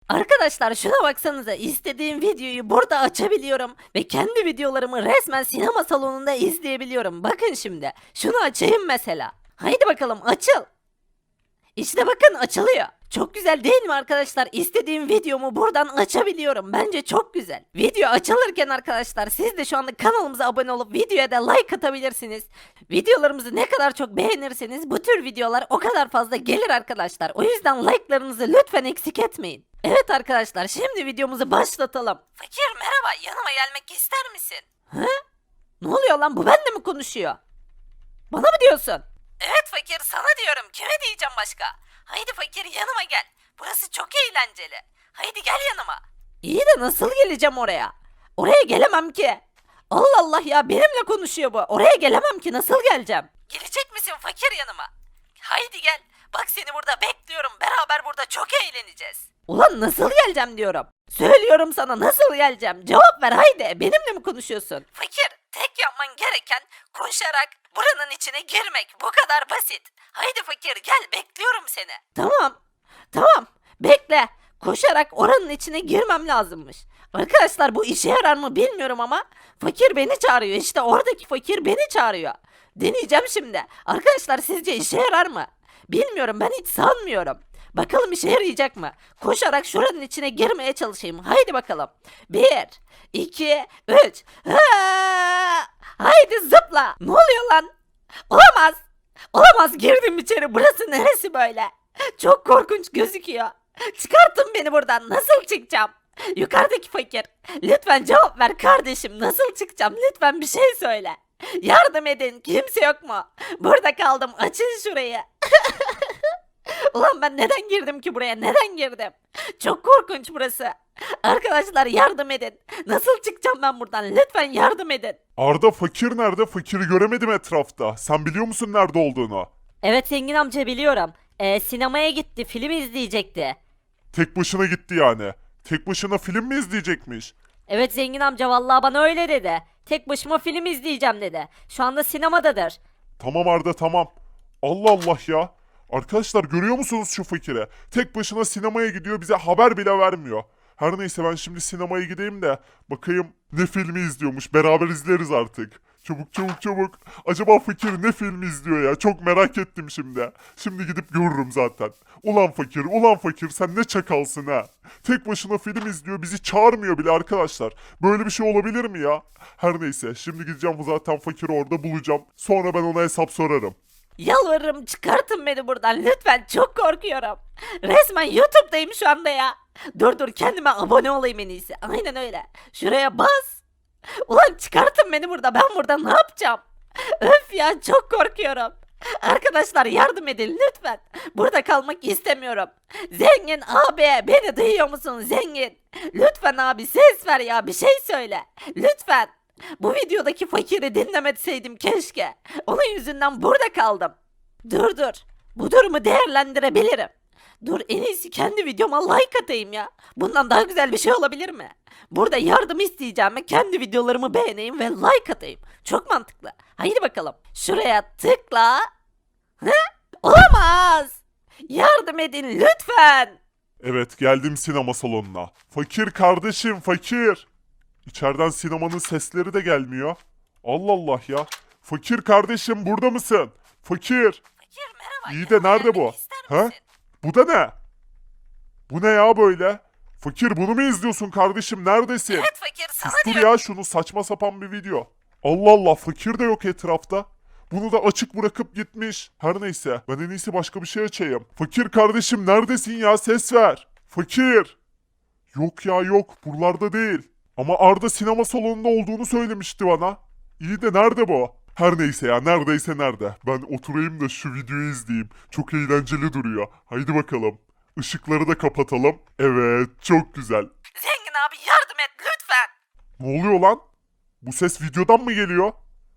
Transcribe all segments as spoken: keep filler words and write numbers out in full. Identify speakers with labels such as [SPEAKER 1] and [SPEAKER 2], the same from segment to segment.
[SPEAKER 1] Arkadaşlar şuna baksanıza, istediğim videoyu burada açabiliyorum ve kendi videolarımı resmen sinema salonunda izleyebiliyorum. Bakın şimdi şunu açayım mesela. Haydi bakalım açıl. İşte bakın açılıyor. Çok güzel değil mi arkadaşlar? İstediğim videomu buradan açabiliyorum. Bence çok güzel. Video açılırken arkadaşlar siz de şu anda kanalımıza abone olup videoya da like atabilirsiniz. Videolarımızı ne kadar çok beğenirseniz bu tür videolar o kadar fazla gelir arkadaşlar. O yüzden like'larınızı lütfen eksik etmeyin. Evet arkadaşlar, şimdi videomuzu başlatalım. Fakir merhaba, yanıma gelmek ister misin? Hı? Ne oluyor lan, bu benimle mi konuşuyor? Bana mı diyorsun? Evet fakir, sana diyorum, kime diyeceğim başka? Haydi fakir yanıma gel. Burası çok eğlenceli. Haydi gel yanıma. İyi de nasıl geleceğim oraya? Oraya gelemem ki. Allah Allah ya, benimle konuşuyor bu. Oraya gelemem ki, nasıl geleceğim? Gelecek misin fakir yanıma? Haydi gel. Bak seni burada bekliyorum. Beraber burada çok eğleneceğiz. Ulan nasıl geleceğim diyorum. Söylüyorum sana, nasıl geleceğim? Cevap ver haydi. Benimle mi konuşuyorsun? Fakir, tek yapman gereken koşarak buranın içine girmek. Bu kadar basit. Haydi fakir gel, bekliyorum seni. Tamam. Tamam. Bekle. Koşarak oranın içine girmem lazımmış. Arkadaşlar bu işe yarar mı bilmiyorum ama fakir beni çağırıyor. İşte oradaki fakir beni çağırıyor. Deneyeceğim şimdi. Arkadaşlar sizce işe yarar mı? Bilmiyorum, ben hiç sanmıyorum. Bakalım işe yarayacak mı? Koşarak şuranın içine girmeye çalışayım. Haydi bakalım. Bir, iki, üç. Ha! Haydi zıpla. Ne oluyor lan? Olamaz. Olamaz, girdim içeri. Burası neresi böyle? Çok korkunç gözüküyor. Çıkartın beni buradan. Nasıl çıkacağım? Yukarıdaki fakir. Lütfen cevap ver kardeşim. Nasıl çıkacağım? Lütfen bir şey söyle. Yardım edin. Kimse yok mu? Burada kaldım. Açın şurayı. Ulan ben neden girdim ki buraya? Neden girdim? Çok korkunç burası. Arkadaşlar yardım edin. Nasıl çıkacağım ben buradan? Lütfen yardım edin.
[SPEAKER 2] Arda fakir nerede? Fakiri göremedim etrafta. Sen biliyor musun nerede olduğunu?
[SPEAKER 1] Evet zengin amca, biliyorum. Ee, sinemaya gitti. Film izleyecekti.
[SPEAKER 2] Tek başına gitti yani. Tek başına film mi izleyecekmiş?
[SPEAKER 1] Evet zengin amca, vallahi bana öyle dedi. Tek başıma film izleyeceğim dedi. Şu anda sinemadadır.
[SPEAKER 2] Tamam Arda tamam. Allah Allah ya. Arkadaşlar görüyor musunuz şu fakire? Tek başına sinemaya gidiyor, bize haber bile vermiyor. Her neyse ben şimdi sinemaya gideyim de bakayım ne filmi izliyormuş. Beraber izleriz artık. Çabuk çabuk çabuk. Acaba fakir ne filmi izliyor ya? Çok merak ettim şimdi. Şimdi gidip görürüm zaten. Ulan fakir, ulan fakir sen ne çakalsın ha? Tek başına film izliyor, bizi çağırmıyor bile arkadaşlar. Böyle bir şey olabilir mi ya? Her neyse şimdi gideceğim, zaten fakiri orada bulacağım. Sonra ben ona hesap sorarım.
[SPEAKER 1] Yalvarırım, çıkartın beni buradan lütfen, çok korkuyorum. Resmen YouTube'dayım şu anda ya. Dur dur, kendime abone olayım en iyisi. Aynen öyle. Şuraya bas. Ulan çıkartın beni burada, ben burada ne yapacağım? Öf ya, çok korkuyorum. Arkadaşlar yardım edin lütfen. Burada kalmak istemiyorum. Zengin abi, beni duyuyor musun zengin? Lütfen abi ses ver ya, bir şey söyle. Lütfen. Bu videodaki fakiri dinlemeseydim keşke. Onun yüzünden burada kaldım. Dur dur. Bu durumu değerlendirebilirim. Dur, en iyisi kendi videoma like atayım ya. Bundan daha güzel bir şey olabilir mi? Burada yardım isteyeceğime kendi videolarımı beğeneyim ve like atayım. Çok mantıklı. Haydi bakalım. Şuraya tıkla. Hı? Olamaz. Yardım edin lütfen.
[SPEAKER 2] Evet geldim sinema salonuna. Fakir kardeşim fakir. İçeriden sinemanın sesleri de gelmiyor. Allah Allah ya. Fakir kardeşim burada mısın? Fakir.
[SPEAKER 1] Fakir merhaba.
[SPEAKER 2] İyi de nerede bu? Ha? Bu da ne? Bu ne ya böyle? Fakir bunu mu izliyorsun kardeşim? Neredesin?
[SPEAKER 1] Evet fakir, sana
[SPEAKER 2] Sustur
[SPEAKER 1] diyorum.
[SPEAKER 2] ya şunu, saçma sapan bir video. Allah Allah, fakir de yok etrafta. Bunu da açık bırakıp gitmiş. Her neyse ben en iyisi başka bir şey açayım. Fakir kardeşim neredesin ya, ses ver. Fakir. Yok ya yok, buralarda değil. Ama Arda sinema salonunda olduğunu söylemişti bana. İyi de nerede bu? Her neyse ya, neredeyse nerede. Ben oturayım da şu videoyu izleyeyim. Çok eğlenceli duruyor. Haydi bakalım. Işıkları da kapatalım. Evet çok güzel.
[SPEAKER 1] Zengin abi yardım et lütfen.
[SPEAKER 2] Ne oluyor lan? Bu ses videodan mı geliyor?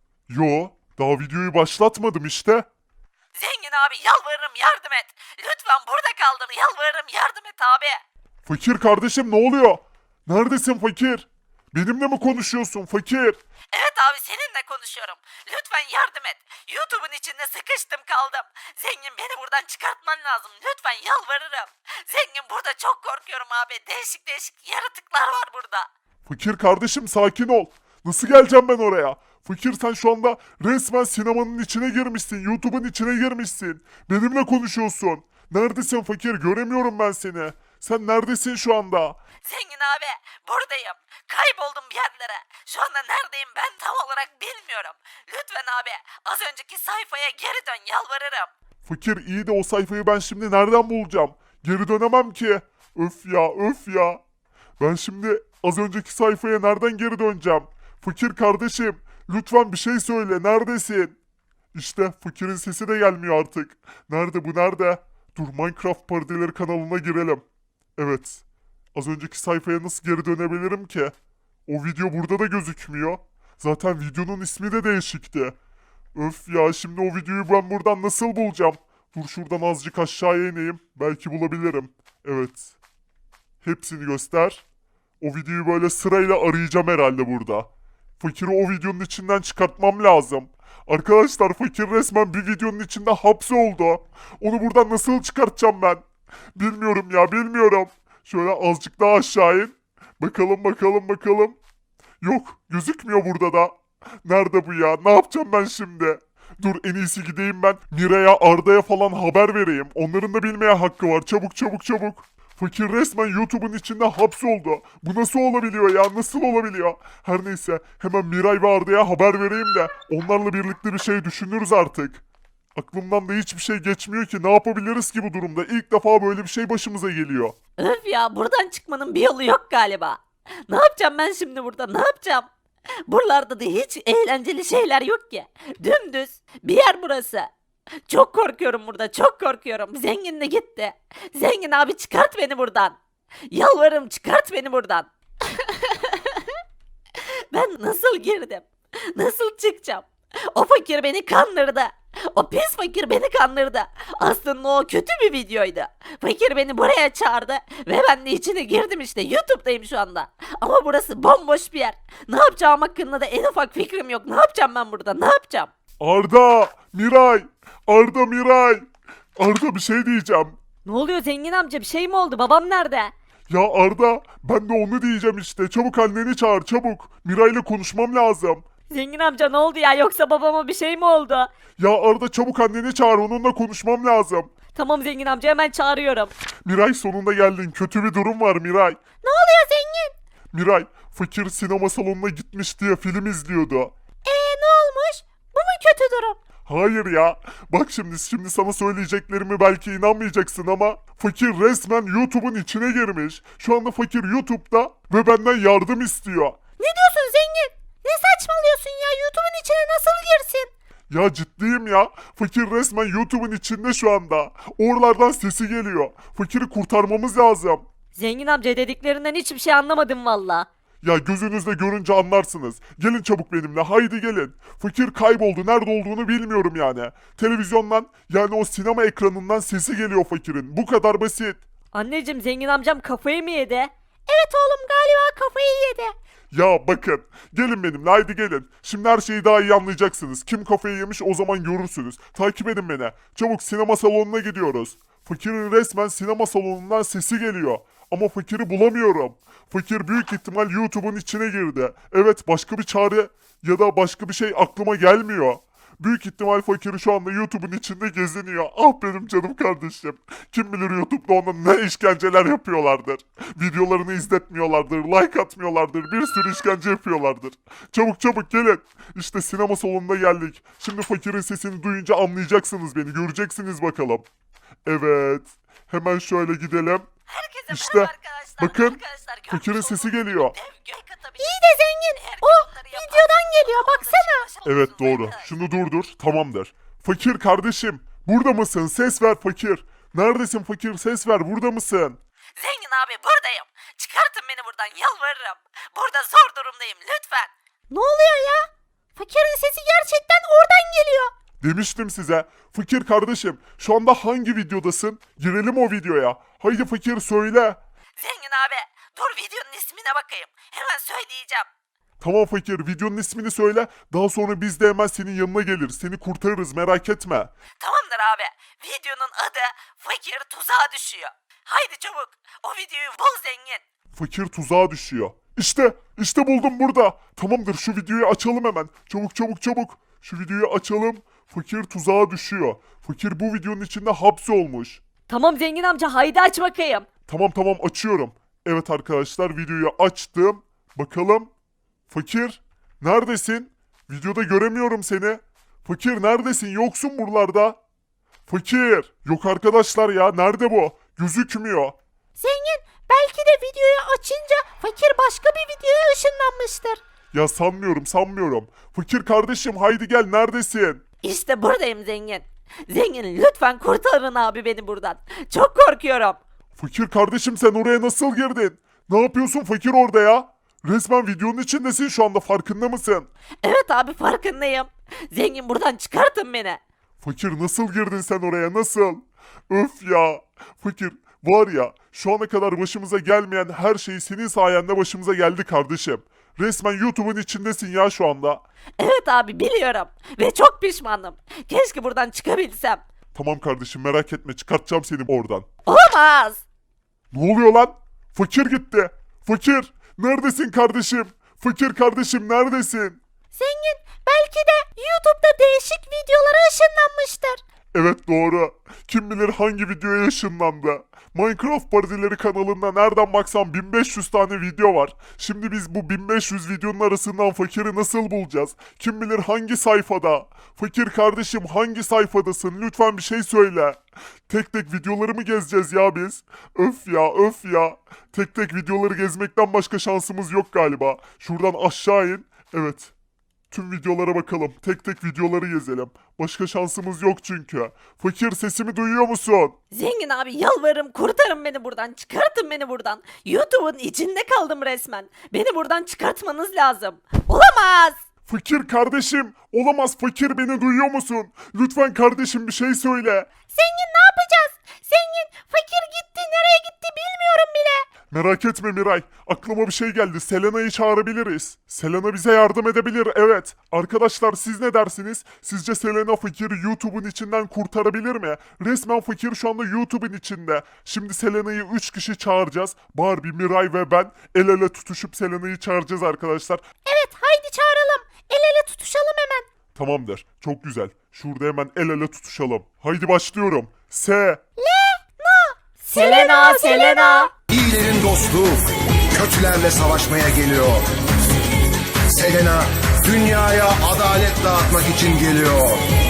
[SPEAKER 2] Yo, daha videoyu başlatmadım işte.
[SPEAKER 1] Zengin abi yalvarırım yardım et. Lütfen, burada kaldım, yalvarırım yardım et abi.
[SPEAKER 2] Fakir kardeşim ne oluyor? Neredesin fakir? Benimle mi konuşuyorsun fakir?
[SPEAKER 1] Evet abi seninle konuşuyorum. Lütfen yardım et. YouTube'un içinde sıkıştım kaldım. Zengin beni buradan çıkartman lazım. Lütfen yalvarırım. Zengin burada çok korkuyorum abi. Değişik değişik yaratıklar var burada.
[SPEAKER 2] Fakir kardeşim sakin ol. Nasıl geleceğim ben oraya? Fakir sen şu anda resmen sinemanın içine girmişsin. YouTube'un içine girmişsin. Benimle konuşuyorsun. Neredesin fakir? Göremiyorum ben seni. Sen neredesin şu anda?
[SPEAKER 1] Zengin abi buradayım. Kayboldum bir yerlere. Şu anda neredeyim ben tam olarak bilmiyorum. Lütfen abi az önceki sayfaya geri dön yalvarırım.
[SPEAKER 2] Fakir iyi de o sayfayı ben şimdi nereden bulacağım? Geri dönemem ki. Öf ya öf ya. Ben şimdi az önceki sayfaya nereden geri döneceğim? Fakir kardeşim lütfen bir şey söyle neredesin? İşte fakirin sesi de gelmiyor artık. Nerede bu nerede? Dur Minecraft Parodileri kanalına girelim. Evet. Az önceki sayfaya nasıl geri dönebilirim ki? O video burada da gözükmüyor. Zaten videonun ismi de değişikti. Öf ya şimdi o videoyu ben buradan nasıl bulacağım? Dur şuradan azıcık aşağıya ineyim. Belki bulabilirim. Evet. Hepsini göster. O videoyu böyle sırayla arayacağım herhalde burada. Fakiri o videonun içinden çıkartmam lazım. Arkadaşlar fakir resmen bir videonun içinde hapsoldu. Onu buradan nasıl çıkartacağım ben? Bilmiyorum ya bilmiyorum. Şöyle azıcık daha aşağı in. Bakalım bakalım bakalım. Yok gözükmüyor burada da. Nerede bu ya? Ne yapacağım ben şimdi? Dur en iyisi gideyim ben Miray'a Arda'ya falan haber vereyim. Onların da bilmeye hakkı var. Çabuk çabuk çabuk. Fakir resmen YouTube'un içinde hapsoldu. Bu nasıl olabiliyor ya? Nasıl olabiliyor? Her neyse hemen Miray ve Arda'ya haber vereyim de onlarla birlikte bir şey düşünürüz artık. Aklımdan da hiçbir şey geçmiyor ki. Ne yapabiliriz ki bu durumda? İlk defa böyle bir şey başımıza geliyor.
[SPEAKER 1] Öf ya buradan çıkmanın bir yolu yok galiba. Ne yapacağım ben şimdi burada ne yapacağım? Buralarda da hiç eğlenceli şeyler yok ki. Dümdüz bir yer burası. Çok korkuyorum burada çok korkuyorum. Zengin de gitti. Zengin abi çıkart beni buradan. Yalvarırım çıkart beni buradan. Ben nasıl girdim? Nasıl çıkacağım? O fakir beni kandırdı. O pis fakir beni kandırdı. Aslında o kötü bir videoydu. Fakir beni buraya çağırdı ve ben de içine girdim işte. YouTube'dayım şu anda. Ama burası bomboş bir yer. Ne yapacağım hakkında da en ufak fikrim yok. Ne yapacağım ben burada? Ne yapacağım?
[SPEAKER 2] Arda! Miray! Arda Miray! Arda bir şey diyeceğim.
[SPEAKER 1] Ne oluyor zengin amca? Bir şey mi oldu? Babam nerede?
[SPEAKER 2] Ya Arda ben de onu diyeceğim işte. Çabuk anneni çağır çabuk. Miray'la konuşmam lazım.
[SPEAKER 1] Zengin amca ne oldu ya? Yoksa babama bir şey mi oldu?
[SPEAKER 2] Ya Arda çabuk anneni çağır onunla konuşmam lazım.
[SPEAKER 1] Tamam zengin amca hemen çağırıyorum.
[SPEAKER 2] Miray sonunda geldin. Kötü bir durum var Miray.
[SPEAKER 1] Ne oluyor zengin?
[SPEAKER 2] Miray fakir sinema salonuna gitmiş diye film izliyordu.
[SPEAKER 1] Eee ne olmuş? Bu mu kötü durum?
[SPEAKER 2] Hayır ya. Bak şimdi şimdi sana söyleyeceklerimi belki inanmayacaksın ama fakir resmen YouTube'un içine girmiş. Şu anda fakir YouTube'da ve benden yardım istiyor.
[SPEAKER 1] Ne diyorsun zengin? Ne saçmalıyorsun ya? YouTube'un içine nasıl girsin?
[SPEAKER 2] Ya ciddiyim ya. Fakir resmen YouTube'un içinde şu anda. Oralardan sesi geliyor. Fakiri kurtarmamız lazım.
[SPEAKER 1] Zengin amca dediklerinden hiçbir şey anlamadım valla.
[SPEAKER 2] Ya gözünüzle görünce anlarsınız. Gelin çabuk benimle haydi gelin. Fakir kayboldu nerede olduğunu bilmiyorum yani. Televizyondan yani o sinema ekranından sesi geliyor fakirin. Bu kadar basit.
[SPEAKER 1] Anneciğim zengin amcam kafayı mı yedi? Evet oğlum galiba kafayı yedi.
[SPEAKER 2] Ya bakın gelin benimle haydi gelin. Şimdi her şeyi daha iyi anlayacaksınız. Kim kafayı yemiş o zaman görürsünüz. Takip edin beni. Çabuk sinema salonuna gidiyoruz. Fakirin resmen sinema salonundan sesi geliyor. Ama fakiri bulamıyorum. Fakir büyük ihtimal YouTube'un içine girdi. Evet başka bir çare ya da başka bir şey aklıma gelmiyor. Büyük ihtimal fakiri şu anda YouTube'un içinde geziniyor. Ah benim canım kardeşim. Kim bilir YouTube'da ona ne işkenceler yapıyorlardır. Videolarını izletmiyorlardır, like atmıyorlardır, bir sürü işkence yapıyorlardır. Çabuk çabuk gelin. İşte sinema salonuna geldik. Şimdi fakirin sesini duyunca anlayacaksınız beni, göreceksiniz bakalım. Evet. Hemen şöyle gidelim.
[SPEAKER 1] Herkese
[SPEAKER 2] İşte,
[SPEAKER 1] merhaba arkadaşlar.
[SPEAKER 2] bakın,
[SPEAKER 1] Arkadaşlar, görmüş
[SPEAKER 2] fakirin
[SPEAKER 1] olduğunuz
[SPEAKER 2] sesi geliyor.
[SPEAKER 1] dev gök ata bir İyi de zengin. O videodan geliyor baksana.
[SPEAKER 2] Evet doğru. Şunu durdur. Tamamdır. Fakir kardeşim. Burada mısın? Ses ver fakir. Neredesin fakir? Ses ver. Burada mısın?
[SPEAKER 1] Zengin abi buradayım. Çıkartın beni buradan yalvarırım. Burada zor durumdayım lütfen. Ne oluyor ya? Fakirin sesi gerçekten oradan geliyor.
[SPEAKER 2] Demiştim size. Fakir kardeşim. Şu anda hangi videodasın? Girelim o videoya. Haydi fakir söyle.
[SPEAKER 1] Zengin abi Dur videonun ismine bakayım. Hemen söyleyeceğim.
[SPEAKER 2] Tamam fakir, videonun ismini söyle. Daha sonra biz de hemen senin yanına geliriz. Seni kurtarırız, merak etme.
[SPEAKER 1] Tamamdır abi. Videonun adı Fakir Tuzağa Düşüyor. Haydi çabuk. O videoyu bul zengin.
[SPEAKER 2] Fakir tuzağa düşüyor. İşte, işte buldum burada. Tamamdır, şu videoyu açalım hemen. Çabuk çabuk çabuk. Şu videoyu açalım. Fakir tuzağa düşüyor. Fakir bu videonun içinde hapsolmuş.
[SPEAKER 1] Tamam zengin amca haydi aç bakayım.
[SPEAKER 2] Tamam tamam açıyorum. Evet arkadaşlar, videoyu açtım. Bakalım. Fakir neredesin? Videoda göremiyorum seni. Fakir neredesin? Yoksun buralarda. Fakir. Yok arkadaşlar ya, nerede bu? Gözükmüyor.
[SPEAKER 1] Zengin belki de videoyu açınca fakir başka bir videoya ışınlanmıştır.
[SPEAKER 2] Ya sanmıyorum sanmıyorum. Fakir kardeşim haydi gel, neredesin?
[SPEAKER 1] İşte buradayım zengin. Zengin lütfen kurtarın abi beni buradan. Çok korkuyorum.
[SPEAKER 2] Fakir kardeşim sen oraya nasıl girdin? Ne yapıyorsun fakir orada ya? Resmen videonun içindesin şu anda, farkında mısın?
[SPEAKER 1] Evet abi farkındayım. Zengin buradan çıkartın beni.
[SPEAKER 2] Fakir nasıl girdin sen oraya, nasıl? Öf ya. Fakir var ya, şu ana kadar başımıza gelmeyen her şey senin sayende başımıza geldi kardeşim. Resmen YouTube'un içindesin ya şu anda.
[SPEAKER 1] Evet abi biliyorum. Ve çok pişmanım. Keşke buradan çıkabilsem.
[SPEAKER 2] Tamam kardeşim merak etme, çıkartacağım seni oradan.
[SPEAKER 1] Olamaz.
[SPEAKER 2] Ne oluyor lan? Fakir gitti. Fakir neredesin kardeşim? Fakir kardeşim neredesin?
[SPEAKER 1] Zengin belki de YouTube'da değişik videolara ışınlanmıştır.
[SPEAKER 2] Evet doğru. Kim bilir hangi videoya ışınlandı. Minecraft Parodileri kanalında nereden baksan bin beş yüz tane video var. Şimdi biz bu bin beş yüz videonun arasından fakiri nasıl bulacağız? Kim bilir hangi sayfada? Fakir kardeşim hangi sayfadasın? Lütfen bir şey söyle. Tek tek videoları mı gezeceğiz ya biz? Öf ya öf ya. Tek tek videoları gezmekten başka şansımız yok galiba. Şuradan aşağı in. Evet. Tüm videolara bakalım. Tek tek videoları gezelim. Başka şansımız yok çünkü. Fakir sesimi duyuyor musun?
[SPEAKER 1] Zengin abi yalvarırım kurtarın beni buradan. Çıkartın beni buradan. YouTube'un içinde kaldım resmen. Beni buradan çıkartmanız lazım. Olamaz.
[SPEAKER 2] Fakir kardeşim. Olamaz, fakir beni duyuyor musun? Lütfen kardeşim bir şey söyle.
[SPEAKER 1] Zengin ne yapacağız? Zengin fakir gitti. Nereye gitti bilmiyorum bile.
[SPEAKER 2] Merak etme Miray. Aklıma bir şey geldi. Selena'yı çağırabiliriz. Selena bize yardım edebilir, evet. Arkadaşlar siz ne dersiniz? Sizce Selena fakiri YouTube'un içinden kurtarabilir mi? Resmen fakir şu anda YouTube'un içinde. Şimdi Selena'yı üç kişi çağıracağız. Barbie, Miray ve ben el ele tutuşup Selena'yı çağıracağız arkadaşlar.
[SPEAKER 1] Evet haydi çağıralım. El ele tutuşalım hemen.
[SPEAKER 2] Tamamdır. Çok güzel. Şurada hemen el ele tutuşalım. Haydi başlıyorum. Se.
[SPEAKER 1] Selena Selena.
[SPEAKER 3] İyilerin dostu, kötülerle savaşmaya geliyor. Selena, dünyaya adalet dağıtmak için geliyor.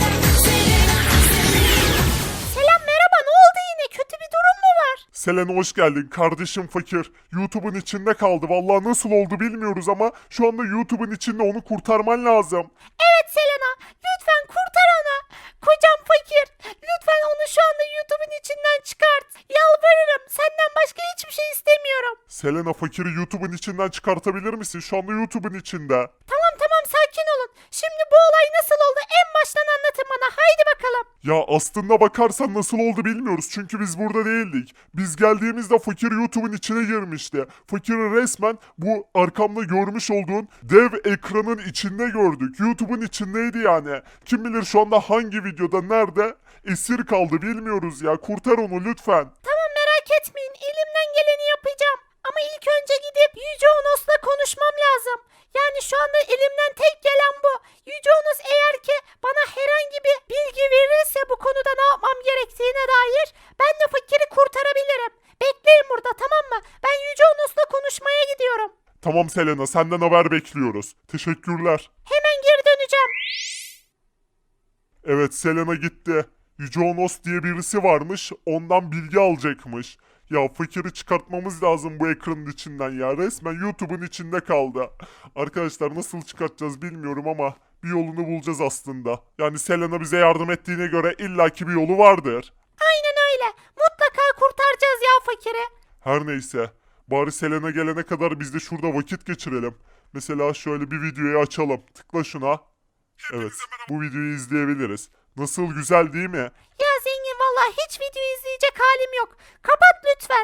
[SPEAKER 1] Selam merhaba ne oldu yine kötü bir durum mu var?
[SPEAKER 2] Selena hoş geldin. Kardeşim fakir. YouTube'un içinde kaldı. Vallahi nasıl oldu bilmiyoruz ama şu anda YouTube'un içinde, onu kurtarman lazım.
[SPEAKER 1] Evet Selena lütfen kurtar onu. Kocam fakir. Lütfen onu şu anda YouTube'un içinden çıkart. Yalvarırım senden başka hiçbir şey istemiyorum.
[SPEAKER 2] Selena fakiri YouTube'un içinden çıkartabilir misin? Şu anda YouTube'un içinde.
[SPEAKER 1] Tamam tamam sakin olun. Şimdi bu olay nasıl oldu en baştan anlatın bana haydi bakalım.
[SPEAKER 2] Ya aslında bakarsan nasıl oldu bilmiyoruz. Çünkü biz burada değildik. Biz geldiğimizde fakir YouTube'un içine girmişti. Fakiri resmen bu arkamda görmüş olduğun dev ekranın içinde gördük. YouTube'un içindeydi yani. Kim bilir şu anda hangi videoda nerede esir kaldı bilmiyoruz ya. Kurtar onu lütfen.
[SPEAKER 1] Tamam merak etmeyin elimden geleni yapacağım. Ama ilk önce gidip Yüce Onos'la konuşmam lazım. Yani şu anda elimden tek gelen bu. Yüce Onos eğer ki bana herhangi bir bilgi verirse bu konuda ne yapmam gerektiğine dair ben de fakiri kurtarabilirim. Bekleyin burada tamam mı? Ben Yüce Onos'la konuşmaya gidiyorum.
[SPEAKER 2] Tamam Selena, senden haber bekliyoruz. Teşekkürler.
[SPEAKER 1] Hemen geri döneceğim.
[SPEAKER 2] Evet, Selena gitti. Yüce Onos diye birisi varmış. Ondan bilgi alacakmış. Ya fakiri çıkartmamız lazım bu ekranın içinden ya. Resmen YouTube'un içinde kaldı. Arkadaşlar nasıl çıkartacağız bilmiyorum ama bir yolunu bulacağız aslında. Yani Selena bize yardım ettiğine göre illaki bir yolu vardır.
[SPEAKER 1] Aynen öyle. Mutlaka kurtaracağız ya fakiri.
[SPEAKER 2] Her neyse. Bari Selena gelene kadar biz de şurada vakit geçirelim. Mesela şöyle bir videoyu açalım. Tıkla şuna. Evet, bu videoyu izleyebiliriz. Nasıl, güzel değil mi?
[SPEAKER 1] Ya zengin vallahi hiç video izleyecek halim yok. Kapat lütfen.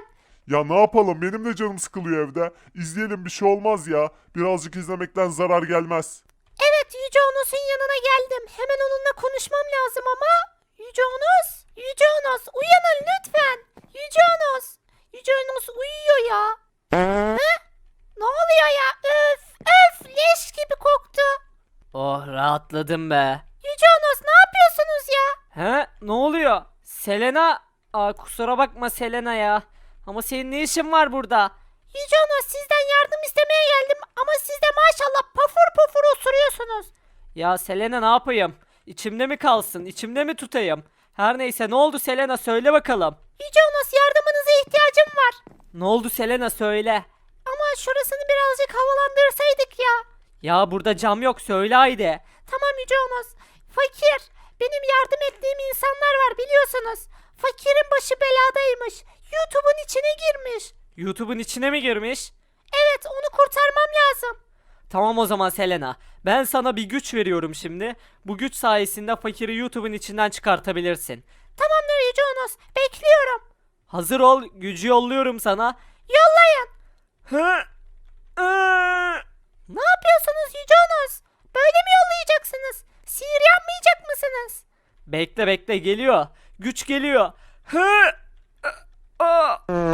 [SPEAKER 2] Ya ne yapalım, benim de canım sıkılıyor evde. İzleyelim, bir şey olmaz ya. Birazcık izlemekten zarar gelmez.
[SPEAKER 1] Evet, Yüce Onos'un yanına geldim. Hemen onunla konuşmam lazım ama... Yüce Onos, Yüce Onos uyanın lütfen. Yüce Onos, Yüce Onos uyuyor ya. He? Ne oluyor ya? Öf, öf, leş gibi koktu.
[SPEAKER 4] Oh rahatladım be.
[SPEAKER 1] Yüce Onos ne yapıyorsunuz ya?
[SPEAKER 4] He ne oluyor? Selena. Aa, kusura bakma Selena ya. Ama senin ne işin var burada?
[SPEAKER 1] Yüce Onos sizden yardım istemeye geldim ama siz de maşallah pafur pafur osuruyorsunuz.
[SPEAKER 4] Ya Selena ne yapayım? İçimde mi kalsın? İçimde mi tutayım? Her neyse ne oldu Selena söyle bakalım.
[SPEAKER 1] Yüce Onos yardımınıza ihtiyacım var.
[SPEAKER 4] Ne oldu Selena söyle.
[SPEAKER 1] Ama şurasını birazcık havalandırsaydık ya.
[SPEAKER 4] Ya burada cam yok söyle haydi.
[SPEAKER 1] Tamam Yüce Onos. Fakir. Benim yardım ettiğim insanlar var biliyorsunuz. Fakirin başı beladaymış. YouTube'un içine girmiş.
[SPEAKER 4] YouTube'un içine mi girmiş?
[SPEAKER 1] Evet onu kurtarmam lazım.
[SPEAKER 4] Tamam o zaman Selena. Ben sana bir güç veriyorum şimdi. Bu güç sayesinde fakiri YouTube'un içinden çıkartabilirsin.
[SPEAKER 1] Tamamdır Yüce Onos. Bekliyorum.
[SPEAKER 4] Hazır ol, gücü yolluyorum sana.
[SPEAKER 1] Yollayın.
[SPEAKER 4] Hı? Iı.
[SPEAKER 1] Ne yapıyorsunuz Yüce Onos? Böyle mi yollayacaksınız? Sihir yapmayacak mısınız?
[SPEAKER 4] Bekle bekle geliyor. Güç geliyor. Hı? Aa,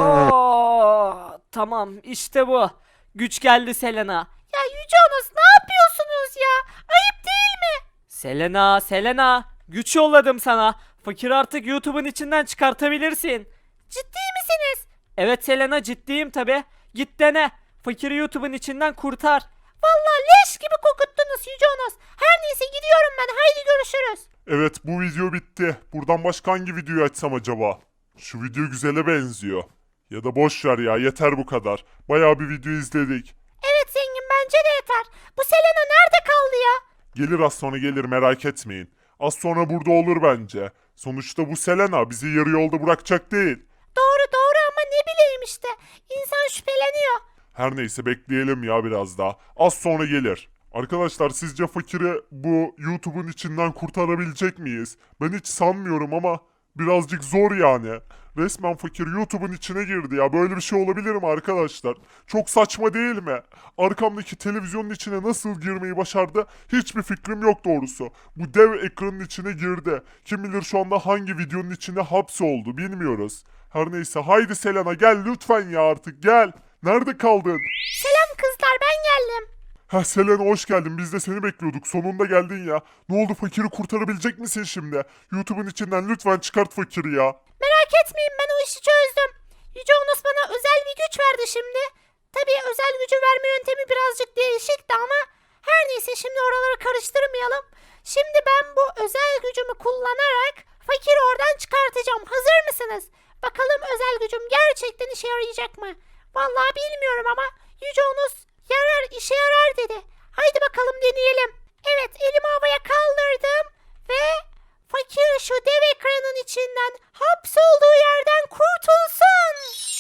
[SPEAKER 4] aa. Tamam işte bu. Güç geldi Selena.
[SPEAKER 1] Ya Yüce Onos ne yapıyorsunuz ya? Ayıp değil mi?
[SPEAKER 4] Selena, Selena. Güç yolladım sana. Fakir artık YouTube'un içinden çıkartabilirsin.
[SPEAKER 1] Ciddi misiniz?
[SPEAKER 4] Evet Selena ciddiyim tabi. Git dene. Fakiri YouTube'un içinden kurtar.
[SPEAKER 1] Vallahi leş gibi kokuttunuz Yüce Onos. Her neyse gidiyorum ben. Haydi görüşürüz.
[SPEAKER 2] Evet, bu video bitti. Buradan başka hangi videoyu açsam acaba? Şu video güzele benziyor. Ya da boş ver ya, yeter bu kadar. Bayağı bir video izledik.
[SPEAKER 1] Evet zengin bence de yeter. Bu Selena nerede kaldı ya?
[SPEAKER 2] Gelir az sonra, gelir, merak etmeyin. Az sonra burada olur bence. Sonuçta bu Selena bizi yarı yolda bırakacak değil.
[SPEAKER 1] Doğru doğru ama ne bileyim işte. İnsan şüpheleniyor.
[SPEAKER 2] Her neyse, bekleyelim ya biraz daha. Az sonra gelir. Arkadaşlar sizce fakiri bu YouTube'un içinden kurtarabilecek miyiz? Ben hiç sanmıyorum ama birazcık zor yani. Resmen fakir YouTube'un içine girdi ya. Böyle bir şey olabilir mi arkadaşlar? Çok saçma değil mi? Arkamdaki televizyonun içine nasıl girmeyi başardı? Hiçbir fikrim yok doğrusu. Bu dev ekranın içine girdi. Kim bilir şu anda hangi videonun içine hapsoldu bilmiyoruz. Her neyse, haydi Selena gel lütfen ya, artık gel. Nerede kaldın?
[SPEAKER 1] Selam kızlar ben geldim.
[SPEAKER 2] Ha Selena, hoş geldin. Biz de seni bekliyorduk. Sonunda geldin ya. Ne oldu, fakiri kurtarabilecek misin şimdi? YouTube'un içinden lütfen çıkart fakiri ya.
[SPEAKER 1] Merak etmeyin ben o işi çözdüm. Yüce Onos bana özel bir güç verdi şimdi. Tabii özel gücü verme yöntemi birazcık değişikti ama her neyse şimdi oraları karıştırmayalım. Şimdi ben bu özel gücümü kullanarak fakiri oradan çıkartacağım. Hazır mısınız? Bakalım özel gücüm gerçekten işe yarayacak mı? Vallahi bilmiyorum ama Yüce Onos yarar işe yarar dedi. Haydi bakalım deneyelim. Evet elimi havaya kaldırdım ve fakir şu dev ekranın içinden hapsolduğu yerden kurtulsun.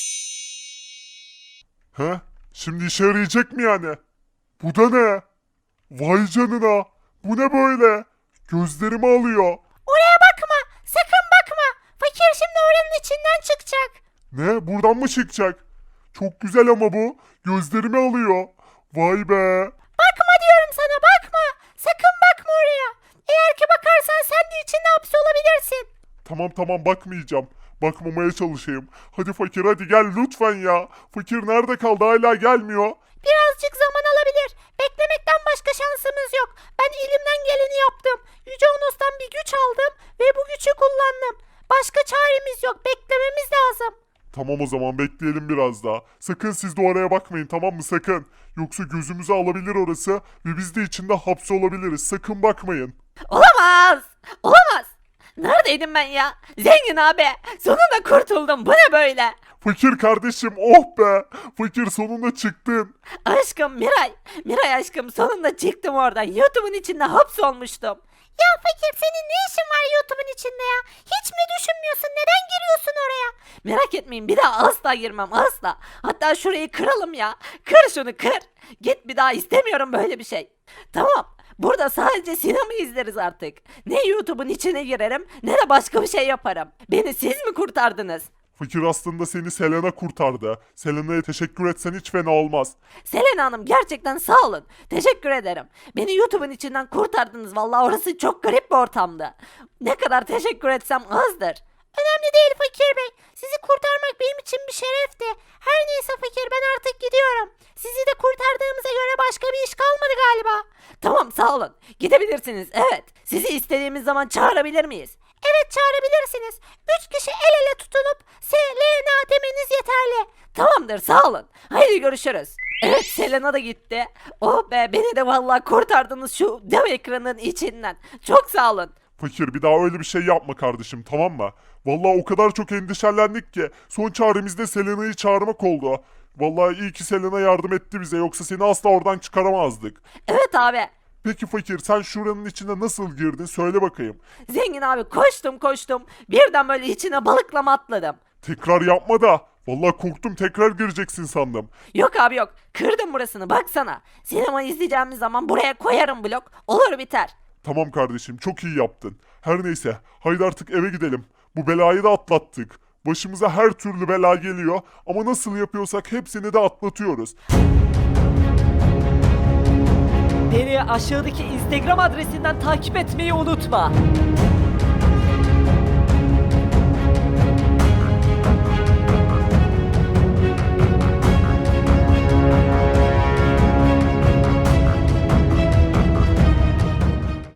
[SPEAKER 2] Ha? Şimdi işe yarayacak mı yani? Bu da ne? Vay canına. Bu ne böyle? Gözlerimi alıyor.
[SPEAKER 1] Oraya bakma sakın bakma. Fakir şimdi oranın içinden çıkacak.
[SPEAKER 2] Ne? Buradan mı çıkacak? Çok güzel ama bu. Gözlerimi alıyor. Vay be.
[SPEAKER 1] Bakma diyorum sana bakma. Sakın bakma oraya. Eğer ki bakarsan sen de içinde hapsolabilirsin.
[SPEAKER 2] Tamam tamam, bakmayacağım. Bakmamaya çalışayım. Hadi fakir, hadi gel lütfen ya. Fakir nerede kaldı, hala gelmiyor.
[SPEAKER 1] Birazcık zaman alabilir. Beklemekten başka şansımız yok. Ben elimden geleni yaptım. Yüce Onos'tan bir güç aldım ve bu gücü kullandım. Başka çaremiz yok. Beklememiz lazım.
[SPEAKER 2] Tamam o zaman, bekleyelim biraz daha. Sakın siz de oraya bakmayın, tamam mı, sakın. Yoksa gözümüzü alabilir orası ve biz de içinde hapsolabiliriz. Sakın bakmayın.
[SPEAKER 1] Olamaz. Olamaz. Neredeydim ben ya? Zengin abi. Sonunda kurtuldum. Bu ne böyle?
[SPEAKER 2] Fakir kardeşim, oh be. Fakir sonunda çıktın.
[SPEAKER 1] Aşkım Miray. Miray aşkım sonunda çıktım oradan. YouTube'un içinde hapsolmuştum. Ya fakir senin ne işin var YouTube'un içinde ya? Hiç mi düşünmüyorsun? Neden giriyorsun oraya? Merak etmeyin bir daha asla girmem asla. Hatta şurayı kıralım ya. Kır şunu kır. Git bir daha istemiyorum böyle bir şey. Tamam. Burada sadece sinema izleriz artık. Ne YouTube'un içine girerim ne de başka bir şey yaparım. Beni siz mi kurtardınız?
[SPEAKER 2] Fakir aslında seni Selena kurtardı. Selena'ya teşekkür etsen hiç fena olmaz.
[SPEAKER 1] Selena Hanım gerçekten sağ olun. Teşekkür ederim. Beni YouTube'un içinden kurtardınız. Vallahi orası çok garip bir ortamdı. Ne kadar teşekkür etsem azdır. Önemli değil Fakir Bey. Sizi kurtarmak benim için bir şerefti. Her neyse Fakir, ben artık gidiyorum. Sizi de kurtardığımıza göre başka bir iş kalmadı galiba. Tamam, sağ olun. Gidebilirsiniz, evet. Sizi istediğimiz zaman çağırabilir miyiz? Evet, çağırabilirsiniz. Üç kişi el ele tutunup Selena demeniz yeterli. Tamamdır, sağ olun. Haydi görüşürüz. Evet, Selena da gitti. Oh be, beni de vallahi kurtardınız şu dev ekranın içinden. Çok sağ olun.
[SPEAKER 2] Fakir bir daha öyle bir şey yapma kardeşim, tamam mı? Vallahi o kadar çok endişelendik ki son çaremiz de Selena'yı çağırmak oldu. Vallahi iyi ki Selena yardım etti bize, yoksa seni asla oradan çıkaramazdık.
[SPEAKER 1] Evet abi.
[SPEAKER 2] Peki Fakir, sen şuranın içine nasıl girdin söyle bakayım.
[SPEAKER 1] Zengin abi, koştum koştum. Birden böyle içine balıklama atladım.
[SPEAKER 2] Tekrar yapma da. Vallahi korktum, tekrar gireceksin sandım.
[SPEAKER 1] Yok abi yok. Kırdım burasını, baksana. Sinema izleyeceğimiz zaman buraya koyarım blok. Olur biter.
[SPEAKER 2] Tamam kardeşim, çok iyi yaptın. Her neyse, haydi artık eve gidelim. Bu belayı da atlattık. Başımıza her türlü bela geliyor ama nasıl yapıyorsak hepsini de atlatıyoruz.
[SPEAKER 4] Beni aşağıdaki Instagram adresinden takip etmeyi unutma.